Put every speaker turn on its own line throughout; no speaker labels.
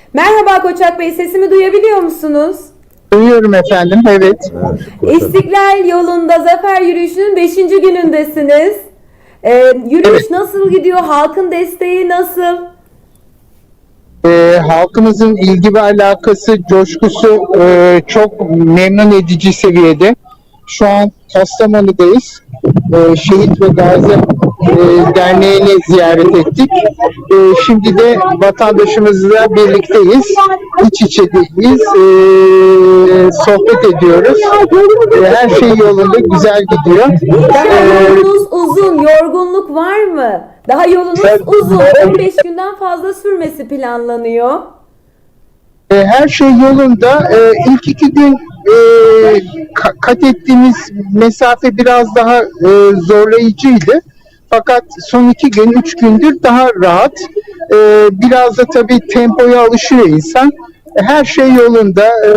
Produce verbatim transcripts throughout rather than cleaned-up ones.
Merhaba Koçak Bey, sesimi duyabiliyor musunuz?
Duyuyorum efendim, evet.
Evet,
İstiklal yolunda Zafer Yürüyüşü'nün beşinci günündesiniz. Ee, yürüyüş
Evet.
nasıl gidiyor? Halkın desteği nasıl?
Ee, halkımızın ilgi ve alakası, coşkusu e, çok memnun edici seviyede. Şu an Kastamonu'dayız. Ee, Şehit ve Gazi e, Derneği'ni ziyaret ettik. Ee, şimdi de vatandaşımızla birlikteyiz. İç içedeyiz. Ee, sohbet ediyoruz. Ee, her şey yolunda, güzel gidiyor.
Daha
Ee,
yolunuz uzun, yorgunluk var mı? Daha yolunuz
Evet.
uzun, on beş günden fazla sürmesi planlanıyor.
E, her şey yolunda. E, ilk iki gün e, ka- kat ettiğimiz mesafe biraz daha e, zorlayıcıydı. Fakat son iki gün, üç gündür daha rahat. E, biraz da tabii tempoya alışıyor insan. E, her şey yolunda. E,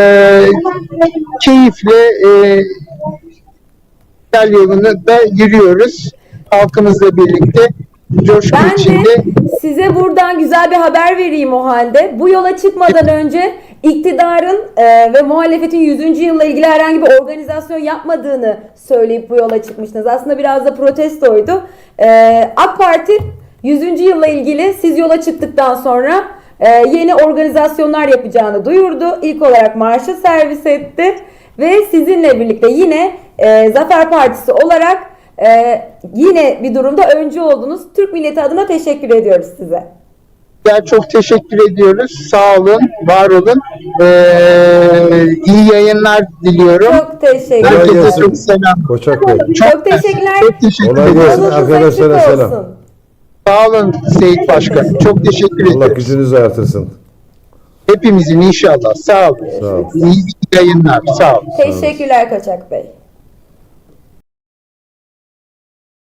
keyifle e, yol yolunda da yürüyoruz. Halkımızla birlikte. Coşku
Ben
içinde.
de size buradan güzel bir haber vereyim o halde. Bu yola çıkmadan önce iktidarın e, ve muhalefetin yüzüncü yılla ilgili herhangi bir organizasyon yapmadığını söyleyip bu yola çıkmıştınız. Aslında biraz da protestoydu. E, AK Parti yüzüncü yılla ilgili siz yola çıktıktan sonra e, yeni organizasyonlar yapacağını duyurdu. İlk olarak marşı servis etti ve sizinle birlikte yine e, Zafer Partisi olarak Ee, yine bir durumda öncü oldunuz. Türk milleti adına teşekkür ediyoruz size.
Ya çok teşekkür ediyoruz. Sağ olun, var olun. Ee, iyi yayınlar diliyorum.
Çok teşekkür
Kolay
ederim.
Herkese
gelsin.
çok selam.
Koçak Bey.
Çok teşekkürler.
Çok teşekkür
Kolay
ederim.
gelsin.
Yolunuz
Arkadaşlara
açık
selam.
olsun.
Sağ olun Seyit Başkan. Çok teşekkür
Allah
ederim.
gücünüzü artırsın.
Hepimizin inşallah. Sağ olun.
Sağ ol.
İyi yayınlar. Sağ olun.
Teşekkürler Koçak Bey.